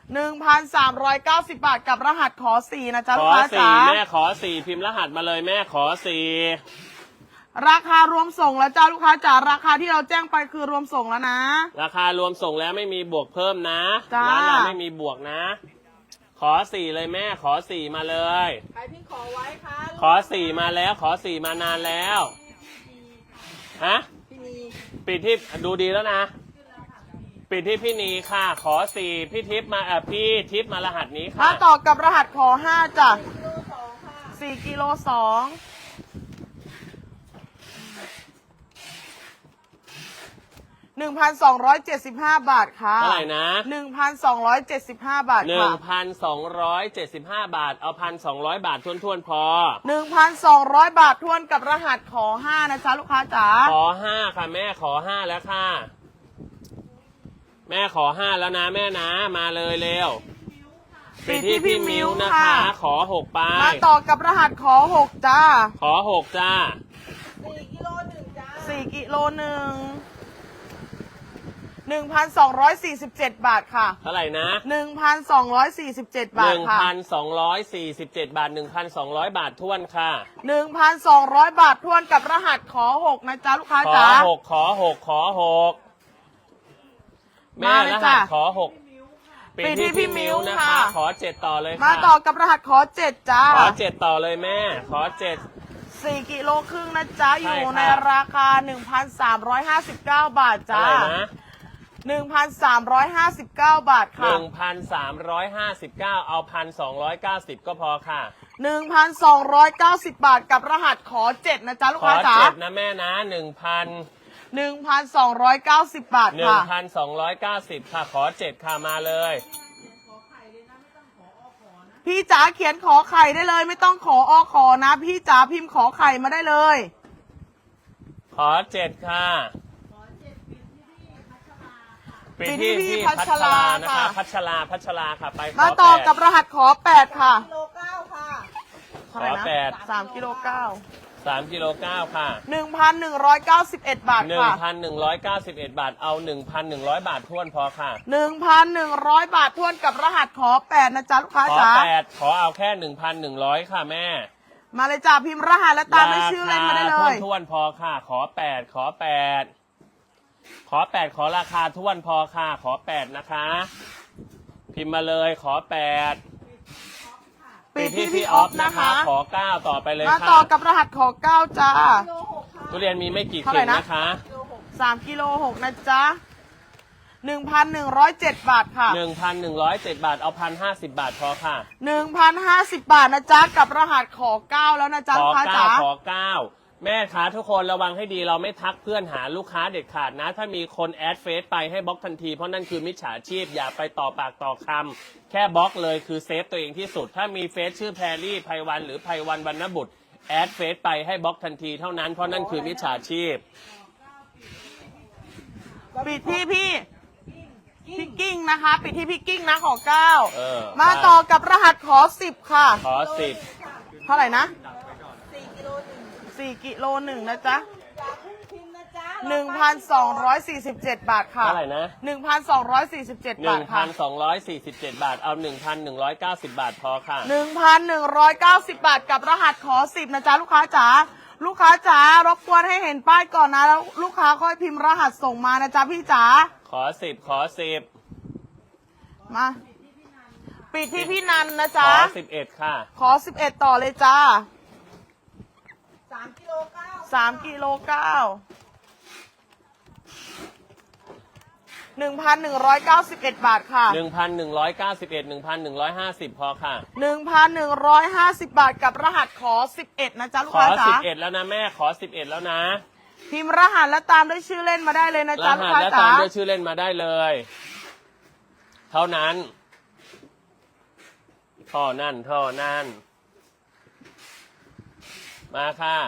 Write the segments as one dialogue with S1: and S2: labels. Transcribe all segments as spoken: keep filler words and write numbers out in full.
S1: หนึ่งพันสามร้อยเก้าสิบบาทกับรหัสขอสี่นะจ๊ะ
S2: ข
S1: ลู
S2: อก
S1: ค้า
S2: สี่
S1: จ๋า
S2: แม่ขอสี่พิมพ์รหัสมาเลยแม่ขอสี่
S1: ราคารวมส่งแล้วจ้าลูกค้าจ๋าราคาที่เราแจ้งไปคือรวมส่งแล้วนะ
S2: ราคารวมส่งแล้วไม่มีบวกเพิ่มนะ
S1: จ้า
S2: ร้านเราไม่มีบวกนะ ขอสี่เลยแม่ขอสี่มาเลย
S3: ใครที่ขอไว้ค่ะ
S2: ขอสี่มาแล้วขอสี่มานานแล้วฮะ
S3: พี่นี
S2: ปิดที่ดูดีแล้วนะปิดที่พี่นีค่ะ ขอสี่พี่ทิพย์มาเออพี่ทิพย์มารหัสนี้ค่ะ
S1: มาต่อกับรหัสขอห้าจ้ะ
S3: กิโลสองค่ะ
S1: สี่กิโลสองหนึ่งพันสองร้อยเจ็ดสิบห้าบาทค่ะ
S2: เท่าไหร่นะ
S1: หนึ่งพันสองร้อยเจ็ดสิบห้าบาท
S2: หนึ่
S1: ค่ะ
S2: งพันสองร้อยเจ็ดสิบห้าบาทเอาพันสองร้อยบาททวนๆพอ
S1: หนึ่งพันสองร้อยบาททวนกับรหัสขอห้านะจ๊ะลูกค้าจ๋า
S2: ขอห้าค่ะแม่ขอห้าแล้วค่ะ แม่ขอห้าแล้วนะแม่นะมาเลยเร็วปิดที่พี่มิ้วนะคะ ขอหกไป
S1: มาต่อกับรหัสขอหกจ้า
S2: ขอหกจ้า
S3: สี่กิโลหนึ่งจ้า
S1: สี่กิโลหนึ่งหนึ่งพันสองร้อยสี่สิบเจ็ดบาทค่ะ
S2: เท่าไหร่นะ
S1: หนึ่งพันสองร้อยสี่สิบเจ็ด
S2: ห
S1: บาท
S2: นึ่ง
S1: ค่ะ
S2: พันสองร้อยสี่สิบเจ็ดบาทหนึ่งพันสองร้อยบาททวนค่ะ
S1: หนึ่งพันสองร้อยบาททวนกับรหัสขอหกนะจ๊ะลูกค้า
S2: ขอ
S1: จ๋า
S2: หกขอหกขอหกแม่
S1: มาเลย
S2: รหั
S1: จ้ะ
S2: สขอหกปิด
S1: ปิดที่
S2: ที่
S1: พี่
S2: พี่
S1: มิ้
S2: มิ้
S1: ว
S2: วนะ
S1: ค่ะ
S2: คะ ขอเจ็ดต่อเลยค่ะ
S1: มาต่อกับรหัสขอเจ็ดจ้า
S2: ขอเจ็ดต่อเลยแม่ ขอเจ็ด
S1: สี่กิโลครึ่งนะจ๊ะ อยู่
S2: ใช่ค่ะ
S1: ในราคา หนึ่งพันสามร้อยห้าสิบเก้า บาท
S2: เท่า
S1: จ้า
S2: ไหร่นะ
S1: หนึ่งพันสามร้อยห้าสิบเก้า บาท
S2: ห
S1: ค่ะ
S2: นึ่งพันสามร้อยห้าสิบเก้าเอาพันสองร้อยเก้าสิบก็พอค่ะ
S1: หนึ่งพันสองร้อยเก้าสิบ บาทกับรหัสขอเจ็ดนะจ๊ะลูก
S2: ขอ
S1: ค้าจ๋า
S2: เจ็ดนะแม่นะหนึ่งพัน
S1: หนึ่งพันสองร้อยเก้าสิบ บาท
S2: หนึ่ง
S1: ค่ะ
S2: พันสองร้อยเก้าสิบค่ะ ขอเจ็ดค่ะมาเลย
S1: พี่จ๋าเขียนขอไข่ได้เลย ไม่ต้องขออขอนะ พี่จ๋าพิมพ์ขอไข่มาได้เลย
S2: ขอเจ็ดค่ะปิด
S1: ปิดที่
S2: ที่
S1: พี่
S2: พี่
S1: พั
S2: พั
S1: ช
S2: ช
S1: รา
S2: รานะคะ
S1: ค่ะ
S2: พัชราพัชราค่ะไปขอ
S1: มาต่อ
S2: แปด
S1: กับรหัสขอแปดค่ะ
S3: กิโลเก้าค่ะ
S1: เท่าไหร่
S2: ขอ
S1: นะ
S2: แปด
S1: สามกิโลเก้า
S2: สามกิโลเก้าค่ะ
S1: หนึ่งพันหนึ่งร้อยเก้าสิบเอ็ดบาท
S2: หนึ่ง
S1: ค่ะ
S2: พันหนึ่งร้อยเก้าสิบเอ็ดบาทเอาหนึ่งพันหนึ่งร้อยบาทท้วนพอค่ะ
S1: หนึ่งพันหนึ่งร้อยบาททวนกับรหัสขอแปดนะจ๊ะลูกค้า
S2: ขอ
S1: จ๋า
S2: แปดขอเอาแค่หนึ่งพันหนึ่งร้อยค่ะแม่
S1: มาเลยจ้าพิมพ์รหัสและตามด้วยชื่อเล่นมาได้เล
S2: ราย คาท้วนๆพอค่ะ ขอแปดขอแปดขอแปดขอราคาท้วนพอค่ะ ขอแปดนะคะ พิมพ์มาเลยขอแปด
S1: ปิดที่
S2: พี่
S1: พี่
S2: อ
S1: อ
S2: อ
S1: อ
S2: ฟ
S1: ฟ
S2: นะ
S1: นะคะ คะ
S2: ขอเก้าต่อไปเลย
S1: มา
S2: ค่ะ
S1: ต่อกับรหัสขอเก้าจ้า
S3: กิโลหกค่ะ
S2: ทุเรียนมีไม่กี่
S1: เท่า
S2: เข่
S1: ไหร่
S2: ง
S1: นะ
S2: นะคะ
S3: กิโลหก
S1: สามกิโลหกนะจ๊ะหนึ่งพันหนึ่งร้อยเจ็ดบาทค่ะ
S2: หนึ่งพันหนึ่งร้อยเจ็ดบาทเอาพันห้าสิบบาทพอค่ะ
S1: หนึ่งพันห้าสิบบาทนะจ๊ะกับรหัสขอเก้าแล้วนะจ๊ะ
S2: ข
S1: ลู
S2: อก
S1: ค้า
S2: เก้า
S1: จ๋า
S2: ขอเก้าแม่ค้าทุกคนระวังให้ดีเราไม่ทักเพื่อนหาลูกค้าเด็ดขาดนะ ถ้ามีคนแอดเฟซไปให้บล็อกทันทีเพราะนั่นคือมิจฉาชีพอย่าไปต่อปากต่อคำแค่บล็อกเลยคือเซฟตัวเองที่สุด ถ้ามีเฟซชื่อแพรรี่ไพวันหรือไพวันวรรณบุตรแอดเฟซไปให้บล็อกทันทีเท่านั้นเพราะนั่นคือมิจฉาชีพ
S1: ปิดที่พี่พี่กิ้งนะคะ ปิดที่พี่กิ้งนะขอเก้า
S2: เออ
S1: มาต่อกับรหัสขอสิบค่ะ
S2: ขอสิบ
S1: เท่าไหร่นะ
S3: สี่กิโลหนึ่ง
S1: สี่กิโลหนึ่งนะจ๊ะ
S3: จากผู้พิมพ์นะจ๊ะ
S1: หนึ่งพันสองร้อยสี่สิบเจ็ดบาทค่ะ
S2: เท่าไหร่นะ
S1: หนึ่งพันสองร้อยสี่สิบเจ็ด
S2: ห
S1: บา
S2: นึ่
S1: ท
S2: ง
S1: ค่ะ
S2: พันสองร้อยสี่สิบเจ็ดบาทเอาหนึ่งพันหนึ่งร้อยเก้าสิบบาทพอค่ะ
S1: หนึ่งพันหนึ่งร้อยเก้าสิบบาทกับรหัสขอสิบนะจ๊ะลูกค้าจ๋าลูกค้าจ๋ารบกวนให้เห็นป้ายก่อนนะแล้วลูกค้าค่อยพิมพ์รหัสส่งมานะจ๊ะพี่จ๋า
S2: ขอสิบขอสิบ
S1: มาปิดที่พี่นันนะ
S2: ข
S1: จ๊ะ
S2: อสิบเอ็ดค่ะ
S1: ขอสิบเอ็ดต่อเลยจ้า
S3: สามกิโลเก้า
S1: สามกิโลเก้าหนึ่งพันหนึ่งร้อยเก้าสิบเอ็ดบาทค่ะ
S2: หนึ่งพันหนึ่งร้อยเก้าสิบเอ็ดหนึ่งพันหนึ่งร้อยห้าสิบพอค่ะ
S1: หนึ่งพันหนึ่งร้อยห้าสิบบาทกับรหัสขอสิบเอ็ดนะจ๊ะลูก
S2: ขอ
S1: ค้า
S2: สิ
S1: จ๋า
S2: บเอ็ดแล้วนะแม่ขอสิบเอ็ดแล้วนะ
S1: พิมพ์รหัสและตามด้วยชื่อเล่นมาได้เลยนะ
S2: ร
S1: จ๊ะลูก
S2: หัส
S1: ค้า
S2: และ
S1: จ๋า
S2: ตามด้วยชื่อเล่นมาได้เลย เท่านั้นเท่านั้นเท่านั้นมาค่ะ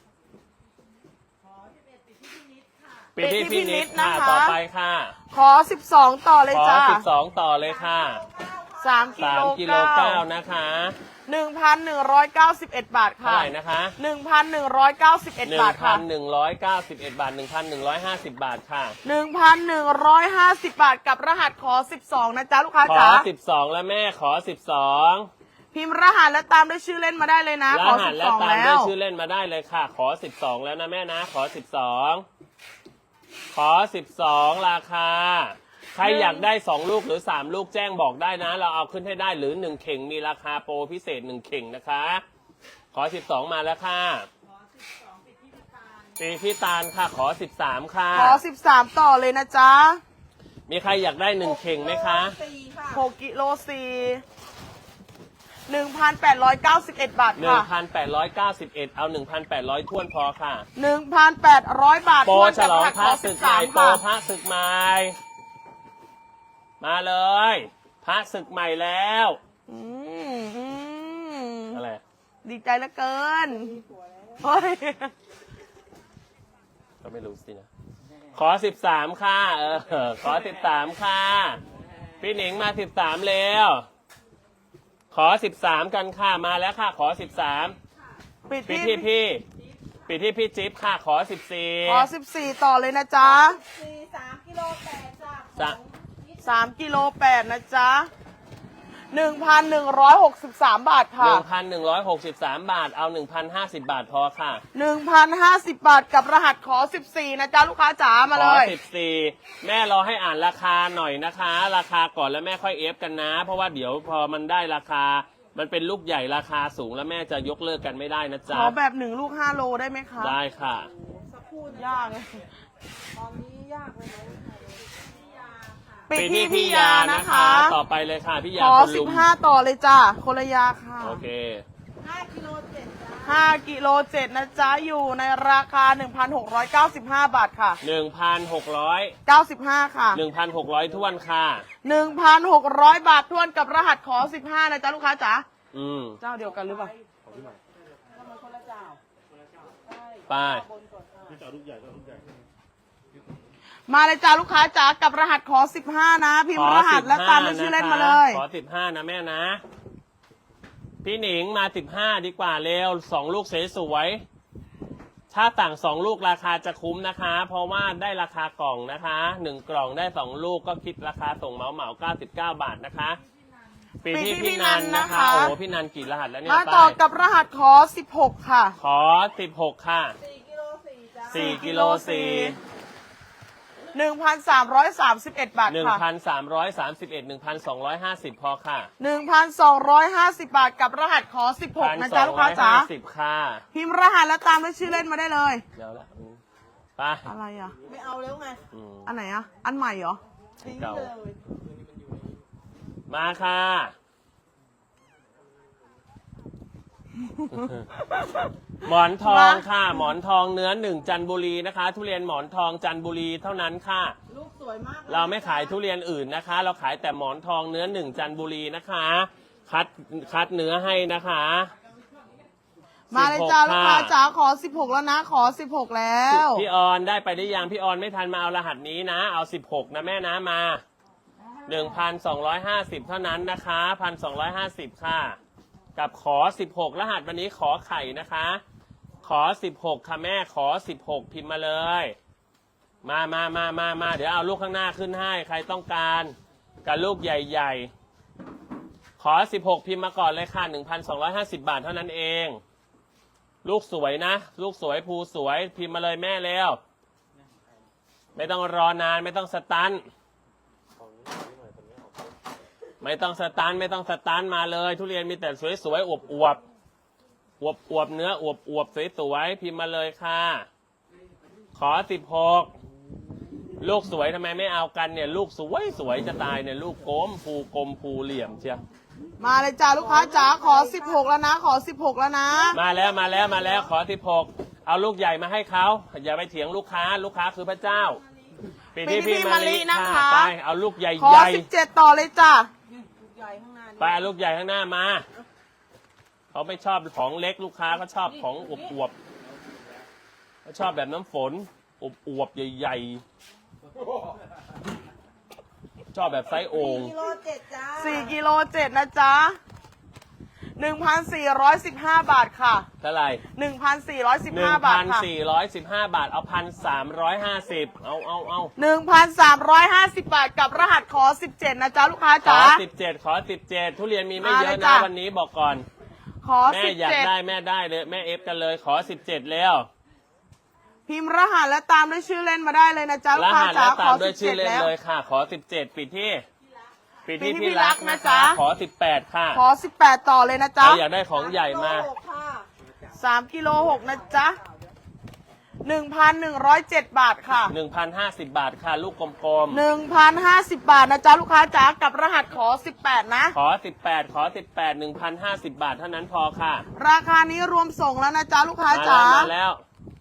S2: ปิดที่พี่นิดค่ะต่อไปค่ะ
S1: ขอสิบสองต่อเลย
S2: ขอ
S1: จ้า
S2: สิบสองต่อเลยค่ะ
S1: สามกิ
S2: สา
S1: โล
S2: มกิโล
S1: เก้า
S2: เก้านะคะ
S1: หนึ่งพันหนึ่งร้อยเก้าสิบเอ็ดบาท
S2: เท่า
S1: ค่ะ
S2: ไหร่นะคะ
S1: หนึ่งพันหนึ่งร้อยเก้าสิบเอ็ด
S2: หนึ่
S1: บาง ท
S2: พั
S1: ค่ะ
S2: นหนึ่งร้อยเก้าสิบเอ็ดบาทหนึ่งพันหนึ่งร้อยห้าสิบบาทค่ะ
S1: หนึ่งพันหนึ่งร้อยห้าสิบบาทกับรหัสขอสิบสองนะจ๊ะลูกค้า
S2: ขอ
S1: จ๋า
S2: สิบสองแล้วแม่ขอสิบสอง
S1: พิมพ์รหัสและตามด้วยชื่อเล่นมาได้เลยนะ
S2: ร
S1: ขอ
S2: หั
S1: สิ
S2: ส
S1: บ
S2: และ
S1: สอง
S2: ตาม
S1: แล้
S2: ด้วย
S1: ว
S2: ชื่อเล่นมาได้เลยค่ะ ขอสิบสองแล้วนะแม่นะ ขอสิบสองขอสิบสองราคา ใครอยากได้สองลูกหรือสามลูกแจ้งบอกได้นะ เราเอาขึ้นให้ได้หรือหนึ่งเข่งมีราคาโปรพิเศษหนึ่งเข่งนะคะ ขอสิบสองมาแล้วค่ะปีพี่ตาลค่ะ ขอสิบสามค่ะ
S1: ขอสิบสามต่อเลยนะจ๊ะ
S2: มีใครอยากได้หนึ่งเข่งไหมคะ
S3: สี่ค่ะ
S1: หกกิโลสี่หนึ่งพันแปดร้อยเก้าสิบเอ็ดบาท
S2: หนึ่ง
S1: ค่ะ
S2: พันแปดร้อยเก้าสิบเอ็ดเอาหนึ่งพันแปดร้อยท้วนพอค่ะ
S1: หนึ่งพันแปดร้อยบาท
S2: โปร
S1: ทวน
S2: ฉ
S1: กับ
S2: ล
S1: ร
S2: อง
S1: หัส
S2: พ
S1: ข
S2: ระ
S1: อ
S2: ศึ
S1: สิ
S2: ก
S1: บ
S2: ให
S1: สา
S2: ม่
S1: ม
S2: โปร
S1: ค่ะ
S2: พระศึกใหม่ มาเลย พระศึกใหม่แล้ว
S1: อืมอืม
S2: อะไร
S1: ดีใจเหลือเกินเฮ้ย
S2: ก็ไม่รู้สินะ ขอสิบสามค่ะ เออ ขอสิบสามค่ะ พี่หนิงมาสิบสามเร็ว ขอสิบสามกันค่ะ มาแล้วค่ะ ขอสิบสาม
S1: ปิด
S2: ปิด
S1: ที่
S2: ที่พี่ปิดที่พี่จิ๊บค่ะ ขอสิบสี่
S1: ขอสิบสี่ต่อเลยนะจ๊ะ
S3: สี่สามกิโลแปดจ้ะ
S2: จะ
S1: สามกิโลแปดนะจ๊ะหนึ่งพันหนึ่งร้อยหกสิบสามบาท
S2: ห
S1: ค่ะ
S2: นึ่งพันหนึ่งร้อยหกสิบสามบาท เอาหนึ่งพันห้าสิบบาทพอค่ะ
S1: หนึ่งพันห้าสิบบาทกับรหัสขอสิบสี่นะจ๊ะลูกค้าจ๋ามา
S2: ข
S1: เล
S2: อย สิบสี่แม่รอให้อ่านราคาหน่อยนะคะ ราคาก่อนแล้วแม่ค่อยเอฟกันนะ เพราะว่าเดี๋ยวพอมันได้ราคา มันเป็นลูกใหญ่ราคาสูงแล้วแม่จะยกเลิกกันไม่ได้นะ
S1: ข
S2: จ๊ะ
S1: อแบบหนึ่งลูกห้าโลได้ไหมคะ
S2: ได้ค่ะ
S3: สักครู่นะ
S1: ยากเลย
S3: ตอนนี้ยากเลยนะพี่ยาค่ะ
S1: ปิด
S2: ปิด
S1: ที่
S2: ที่
S1: พี่
S2: พี่
S1: ยาย
S2: า
S1: นะ
S2: นะคะ ต่อไปเลยค่ะพี่ยา
S1: ขอ
S2: คน
S1: สิ
S2: ลุ
S1: บ
S2: ม
S1: ห้าต่อเลยจ้ะคนละยาค่ะ
S2: โอเค
S3: ห้ากิโลเจ็ดจ้ะ
S1: ห้ากิโลเจ็ดนะจ๊ะอยู่ในราคาหนึ่งพันหกร้อยเก้าสิบห้าบาทค่ะ
S2: หนึ่งพันหกร้อย
S1: เก้าสิบห้าค่ะ
S2: หนึ่งพันหกร้อยท้วนค่ะ
S1: หนึ่งพันหกร้อยบาททวนกับรหัสขอสิบห้านะจ๊ะลูกค้าจ๋า
S2: อืม
S1: เจ้าเดียวกันหรือเปล่า
S3: ทำไมคนละเจ้าใช่
S2: ไป
S3: บนก่อนค่ะ
S1: มาเลยจ้าลูกค้าจ๋ากับรหัสขอสิบห้านะ พิม
S2: ข
S1: พ์
S2: อ
S1: รหั
S2: สิ
S1: ส
S2: บ
S1: และตา
S2: ห้าม
S1: ด้วยชื่อ
S2: นะ
S1: เล่น
S2: คะ
S1: มาเลย
S2: ขอสิบห้านะแม่นะ พี่หนิงมาสิบห้าดีกว่าเร็วสองลูกสวยๆถ้าต่างสองลูกราคาจะคุ้มนะคะ เพราะว่าได้ราคากล่องนะคะหนึ่งกล่องได้สองลูกก็คิดราคาส่งเหมาเหมาเก้าสิบเก้าบาทนะคะปีที่พี่นันนะคะ โอ้โหพี่นันกี่รหัสแล้วเนี่ย
S1: มา
S2: ป้า
S1: ต่อย กับรหัสขอสิบหกค่ะ
S2: ขอสิบหกค่ะ
S3: สี่กิโลสี่จ้ะ
S2: สี่กิโลสี่
S1: หนึ่งพันสามร้อยสามสิบเอ็ดบาท
S2: หนึ่ง
S1: ค่ะ
S2: พันสามร้อยสามสิบเอ็ดหนึ่งพันสองร้อยห้าสิบพอค่ะ
S1: หนึ่งพันสองร้อยห้าสิบบาทกับรหัสขอสิบหก
S2: พัน
S1: นะ
S2: ส
S1: จ๊ะ
S2: อง
S1: ลูก
S2: ร้
S1: ค้า
S2: อย
S1: จ๋า
S2: ห้าสิบค่ะ
S1: พิมพ์รหัสและตามด้วยชื่อเล่นมาได้เลย
S2: เดี๋ยวละอืมไป
S1: อะไรอ่ะ
S3: ไม่เอาแล้วไง
S2: อืม
S1: อันไหนอ่ะ อันใหม่เหรอ
S3: ทิ้ง
S2: เก่า
S3: เลย
S2: มาค่ะ หมอนทองค่ะ หมอนทองเนื้อหนึ่งจันทบุรีนะคะ ทุเรียนหมอนทองจันทบุรีเท่านั้นค่ะ
S3: ลูกสวยมากลย
S2: เราไม่ขายทุเรียนอื่นนะคะ เราขายแต่หมอนทองเนื้อหนึ่งจันทบุรีนะคะ คัดคัดเนื้อให้นะคะ
S1: มาเลยจ้า
S2: สิบหก
S1: ลูกค้า
S2: ค่ะ
S1: จ๋าขอสิบหกแล้วนะ ขอสิบหกแล้ว
S2: พี่ออนได้ไปได้ยังพี่ออนไม่ทันมาเอารหัสนี้นะ เอาสิบหกนะแม่นะมาหนึ่งพันสองร้อยห้าสิบเท่านั้นนะคะพันสองร้อยห้าสิบค่ะ กับขอสิบหกรหัสวันนี้ขอไข่นะคะ ขอสิบหกค่ะแม่ขอสิบหกพิมพ์มาเลย มามามามามาเดี๋ยวเอาลูกข้างหน้าขึ้นให้ใครต้องการกับลูกใหญ่ๆ ขอสิบหกพิมพ์มาก่อนเลยค่ะหนึ่งพันสองร้อยห้าสิบบาทเท่านั้นเอง ลูกสวยนะ ลูกสวยภูสวยพิมพ์มาเลยแม่แล้ว ไม่ต้องรอนานไม่ต้องสตันไม่ต้องสตันไม่ต้องสตันมาเลย ทุเรียนมีแต่สวยๆอวบอวบอวบอวบเนื้ออวบอวบสวยๆพิมพ์มาเลยค่ะ ขอสิบหกลูกสวยทำไมไม่เอากันเนี่ย ลูกสวยสวยจะตายเนี่ยลูกโกมภูกลมภูเหลี่ยมเชียว
S1: มาเลยจ้าลูกค้าจ๋าขอสิบหกแล้วนะ ขอสิบหกแล้วนะ
S2: มาแล้วมาแล้วมาแล้วขอสิบหกเอาลูกใหญ่มาให้เขาอย่าไปเถียงลูกค้าลูกค้าคือพระเจ้าปีที่พี่มาลีนะคะไปเอาลูกใหญ่
S1: ขอ
S2: ใหญ่
S1: สิบเจ็ดต่อเลยจ้า
S3: ลูกใหญ่ข้างหน้านี่
S2: ไปเอาลูกใหญ่ข้างหน้ามาเขาไม่ชอบของเล็กลูกค้าเขาชอบของอวบอวบเขาชอบแบบน้ำฝนอวบอวบใหญ่ๆชอบแบบไซส์โอ่ง
S3: กิโลเจ็ดจ้า
S1: สี่กิโลเจ็ดนะจ๊ะหนึ่งพันสี่ร้อยสิบห้าบาทค่ะ
S2: เท่าไหร่
S1: หนึ่งพันสี่ร้อยสิบ
S2: หนึ่
S1: ห้าง บา
S2: พั
S1: ท
S2: น
S1: ค่ะ
S2: สี่ร้อยสิบห้าบาท เอาพันสามร้อยห้าสิบเอาเอาเอา
S1: หนึ่งพันสามร้อยห้าสิบบาทกับรหัสขอสิบเจ็ดนะจ๊ะลูกค้า
S2: ขอ
S1: จ๋า
S2: สิบเจ็ดขอสิบเจ็ดทุเรียนมีไม่
S1: มา
S2: เย
S1: เล
S2: อะ
S1: ย
S2: นะ
S1: จ้ะ
S2: วันนี้บอกก่อน
S1: ขอ
S2: แม่
S1: สิบ
S2: อยาก
S1: เจ็ด
S2: ได้แม่ได้เลยแม่เอฟกันเลยขอสิบเจ็ดแล้ว
S1: พิมพ์รหัสและตามด้วยชื่อเล่นมาได้เลยนะจ๊ะ
S2: ร
S1: ลูกค้า
S2: หัส
S1: จ๋า
S2: แล้ว
S1: ข
S2: ตา
S1: อ
S2: มด้
S1: สิ
S2: วย
S1: บ
S2: ชื่
S1: เจ็
S2: อ
S1: ด
S2: เล่น
S1: แล้ว
S2: เลยค่ะ ขอสิบเจ็ดปิดที่ปิดที่
S1: ปิดที่
S2: พี่รัก
S1: พี่รัก
S2: นะ
S1: นะจ๊ะ
S2: จ๊ะขอสิบแปดค่ะ
S1: ขอสิบแปดต่อเลยนะจ๊ะ
S2: ใครอยากได้ของใหญ่มา
S3: โลหกค่ะ
S1: สามกิโลหกนะจ๊ะหนึ่งพันหนึ่งร้อยเจ็ดบาทค่ะ
S2: หนึ่งพันห้าสิบบาทค่ะ ลูกกลม
S1: หนึ่งพันห้าสิบบาทนะจ๊ะลูกค้าจ๋ากับรหัสขอสิบแปดนะ
S2: ๆขอสิบแปดขอสิบแปดหนึ่งพันห้าสิบบาทเท่านั้นพอค่ะ
S1: ราคานี้รวมส่งแล้วนะจ๊ะลูกค้า
S2: มา
S1: จ๋า
S2: แล้วมาแล้ว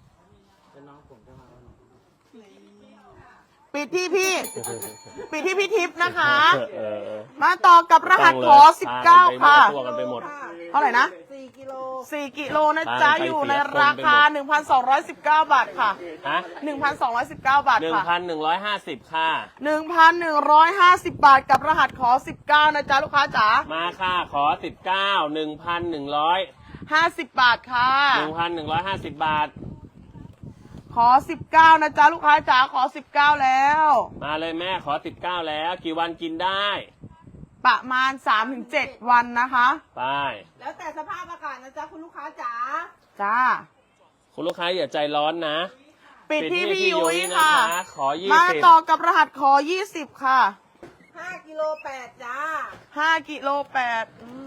S1: ปิดที่พี่ ปิดที่พี่ทิพย์นะคะ
S2: เออเออเออ
S1: มาต่อกับรหัสขอสิบเก้า
S2: พา
S1: ค่ะ
S2: กันไปมั่วตัวกันไปหมด
S1: เท่าไหร่นะ
S3: สี่กิโล
S1: สี่กิโลนะจ๊ะ
S2: ตามไป
S1: อยู่ใน
S2: เสียคน
S1: ราคา
S2: ไปหมด
S1: หนึ่งพันสองร้อยสิบเก้าบาทค่ะ
S2: ฮะ
S1: หนึ่งพันสองร้อยสิบเก้าบาท
S2: หนึ่ง
S1: ค่ะ
S2: พันหนึ่งร้อยห้าสิบค่ะ
S1: หนึ่งพันหนึ่งร้อยห้าสิบบาทกับรหัสขอสิบเก้านะจ๊ะลูกค้าจ๋า
S2: มาค่ะขอสิบเก้าหนึ่งพันหนึ่งร้อย
S1: ห้าสิบบาทค่ะ
S2: หนึ่งพันหนึ่งร้อยห้าสิบบาท
S1: ขอสิบเก้านะจ๊ะลูกค้าจ๋าขอสิบเก้าแล้ว
S2: มาเลยแม่ขอสิบเก้าแล้ว กี่วันกินได้
S1: ประมาณสามถึงเจ็ดวันนะคะ
S2: ไป
S3: แล้วแต่สภาพอากาศนะจ๊ะคุณลูกค้าจ๋า
S1: จ้า
S2: คุณลูกค้าอย่าใจร้อนนะ
S1: ปิดที่
S2: ปิดที่
S1: พี่ยุ้ย
S2: พี่ยุ้ย
S1: ค่ะ
S2: นะคะขอยี่สิบ
S1: มาต่อกับรหัสขอยี่สิบค่ะ
S3: ห้ากิโลแปดจ้า
S1: ห้ากิโลแปด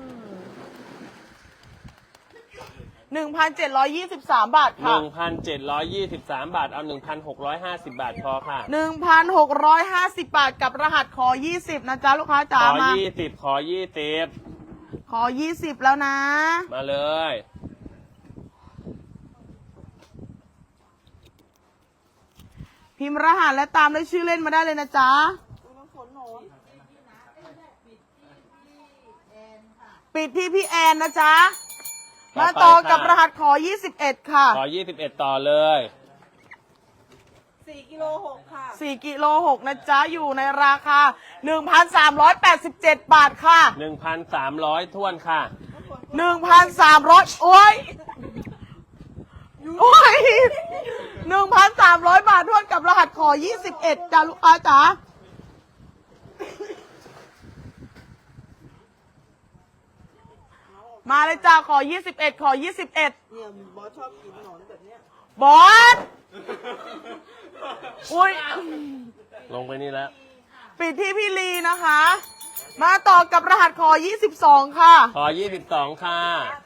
S1: หนึ่งพันเจ็ดร้อยยี่สิบสามบาท
S2: ห
S1: ค่ะ
S2: นึ่งพันเจ็ดร้อยยี่สิบสามบาท เอาหนึ่งพันหกร้อยห้าสิบบาทพอค่ะ
S1: หนึ่งพันหกร้อยห้าสิบบาทกับรหัสขอยี่สิบนะจ๊ะลูกค้า
S2: ข
S1: จ๋า
S2: อ
S1: มา
S2: ยี่สิบขอยี่สิบ
S1: ขอยี่สิบแล้วนะ
S2: มาเลย
S1: พิมพ์รหัสและตามด้วยชื่อเล่นมาได้เลยนะจ๊ะ ปิดที่พี่แอนนะจ๊ะ มาต่อกับรหัสขอยี่สิบเอ็ดค่ะ
S2: ขอยี่สิบเอ็ดต่อเลย
S3: สี่กิโลหกค่ะ
S1: สี่กิโลหกนะจ๊ะ อยู่ในราคาหนึ่งพันสามร้อยแปดสิบเจ็ดบาทค่ะ
S2: หนึ่งพันสามร้อยท้วนค่ะ
S1: หนึ่งพันสามร้อยโอ้ย โอ้ยหนึ่งพันสามร้อยบาททวนกับรหัสขอยี่สิบเอ็ดจ้าลูกค้าจ๋า มาเลยจ้าขอยี่สิบเอ็ดขอยี่สิบเอ็ด
S3: เนี่ยบอสชอบกินหนอนแบบเนี้ย
S1: บอส อุ้ย
S2: ลงไปนี่แล้ว
S1: ปิดที่พี่ลีนะคะ มาต่อกับรหัสขอยี่สิบสองค่ะ
S2: ขอยี่สิบสองค่ะ